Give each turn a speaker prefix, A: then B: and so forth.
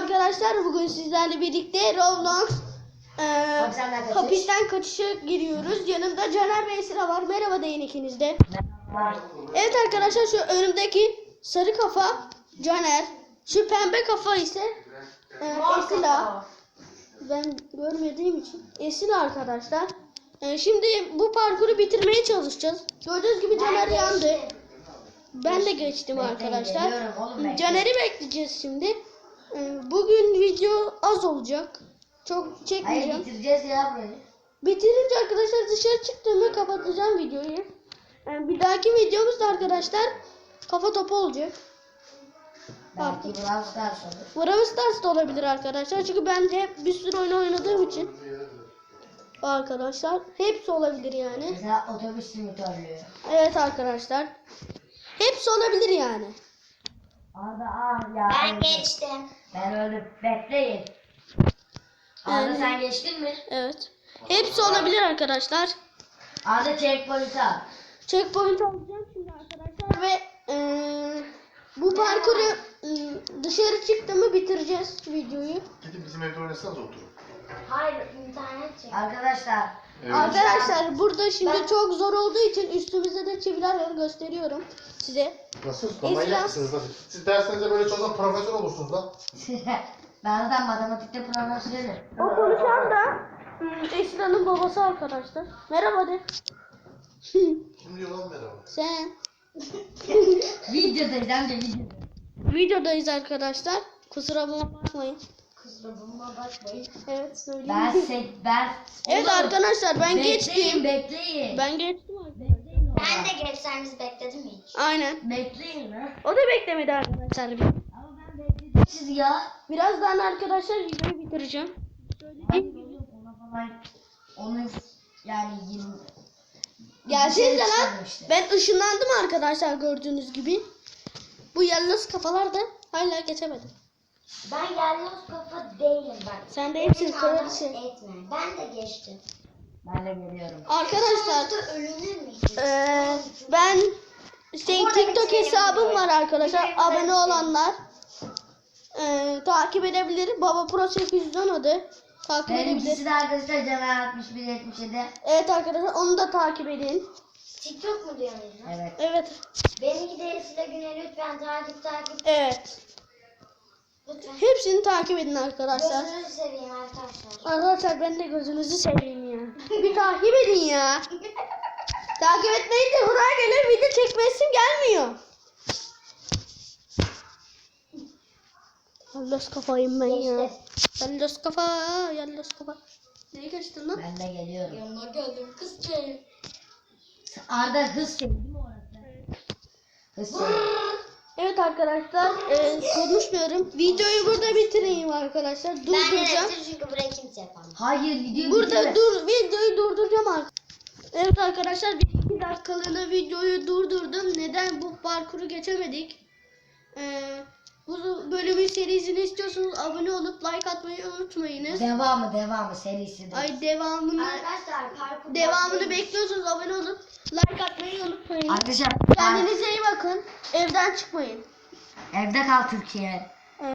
A: arkadaşlar, bugün sizlerle birlikte Roblox hapisten kaçışa giriyoruz. Yanımda Caner ve Esra var. Merhaba deyin ikiniz de. Evet arkadaşlar, şu önümdeki sarı kafa Caner, şu pembe kafa ise Esra. Ben görmediğim için Esra arkadaşlar. Şimdi bu parkuru bitirmeye çalışacağız. Gördüğünüz gibi Caner yandı. Ben de geçtim arkadaşlar. Caner'i bekleyeceğiz şimdi. Bugün video az olacak. Çok çekmeyeceğim.
B: Hayır, bitireceğiz ya burayı.
A: Bitirince arkadaşlar dışarı çıktığımda kapatacağım videoyu. Bir dahaki videomuz da arkadaşlar kafa topu olacak.
B: Belki Brawl Stars olur.
A: Brawl Stars da olabilir arkadaşlar. Çünkü ben de hep bir sürü oyun oynadığım için. Arkadaşlar hepsi olabilir yani.
B: Mesela otobüs simülatörlüğü.
A: Evet arkadaşlar. Hepsi olabilir yani.
B: Arda ya.
C: Ben geçtim.
B: Ben öldüm. Bekleyin. Arda sen geçtin mi?
A: Evet. Hepsi olabilir arkadaşlar.
B: Arda checkpoint'i al.
A: Checkpoint alacağım şimdi arkadaşlar ve bu parkuru dışarı çıktığımı bitireceğiz videoyu.
D: Gidin bizim evde oynasanız oturun.
C: Hayır, internet çek.
B: Arkadaşlar.
D: Evet.
A: Arkadaşlar burada şimdi çok zor olduğu için üstümüzde de çiviler var, gösteriyorum size.
D: Nasıl? Manyak mısınız lan? Siz derslerinize böyle çalışan profesör olursunuz lan.
B: Ben zaten matematikte profesörüm.
A: O konuşan da Esra'nın babası arkadaşlar. Merhaba de.
D: Kim diyor lan merhaba?
A: Sen.
B: Videodayız hem de videoda.
A: Videodayız arkadaşlar. Kusura bakmayın.
C: Kusuruma bakmayın.
A: Evet söyleyeyim.
B: Ben
A: Evet arkadaşlar ben geçtim.
B: Bekleyin.
A: Ben geçtim arkadaşlar.
C: Ben de geçseniz bekledim mi hiç?
A: Aynen.
B: Bekleyin lan.
A: O da beklemedi arkadaşlar.
B: Ama ben bekledim siz ya.
A: Birazdan arkadaşlar videoyu bitireceğim.
B: Ona falan onu yani 20
A: Gelsenize lan.
B: çıkarmıştı.
A: Ben ışınlandım arkadaşlar gördüğünüz gibi. Bu yalnız kafalar da hala geçemedim.
C: Ben yalnız kafa değilim bak.
A: Sen de hepsini
C: Beni
A: kraliçe.
C: anlam etme. Ben de geçtim.
B: Ben de geliyorum.
A: Arkadaşlar
C: Sonuçta ölünür mü hiç?
A: ben
C: Burada
A: TikTok
C: bitirelim
A: hesabım
C: burayı.
A: var arkadaşlar.
C: Bitirelim,
A: Abone
C: bitirelim.
A: olanlar takip edebilir. Baba Pro 810 adı. Takip edebilir.
B: Benimkisi de arkadaşlar Caner 6177.
A: Evet arkadaşlar onu da takip edin.
C: TikTok mu diyorsunuz lan?
B: Evet.
A: Evet.
C: Benimki de Esile Güne lütfen takip.
A: Evet.
C: Lütfen.
A: Hepsini takip edin arkadaşlar.
C: Gözünüzü seveyim arkadaşlar.
A: Arkadaşlar ben de gözünüzü seveyim ya. Bir takip edin ya. Takip etmeyin de buraya gelen video çekmesim gelmiyor. Yalnız kafayım ben ya.
C: Geçti.
A: Yalnız kafa, yalnız kafa. Neye geçtin lan?
B: Ben de geliyorum.
C: Yanına geldim kızcağım.
B: Arda hız çek değil mi orası? Hız çek.
A: Evet arkadaşlar konuşmuyorum. Videoyu burada bitireyim arkadaşlar.
C: Ben de
A: Durduracağım.
C: bitir çünkü burayı kimse yapamaz.
B: Hayır videoyu
A: Burada
B: bitirme.
A: videoyu durduracağım arkadaşlar. Evet arkadaşlar 1-2 dakikalığına videoyu durdurdum. Neden bu parkuru geçemedik? Bu bölümün serisini istiyorsanız abone olup like atmayı unutmayınız.
B: Devamı serisi.
A: Ay devamını
C: Arkadaşlar
A: bekliyorsanız abone olup like atmayı unutmayın.
B: Arkadaşlar
A: Kendinize iyi bakın. Evden çıkmayın.
B: evde kal Türkiye.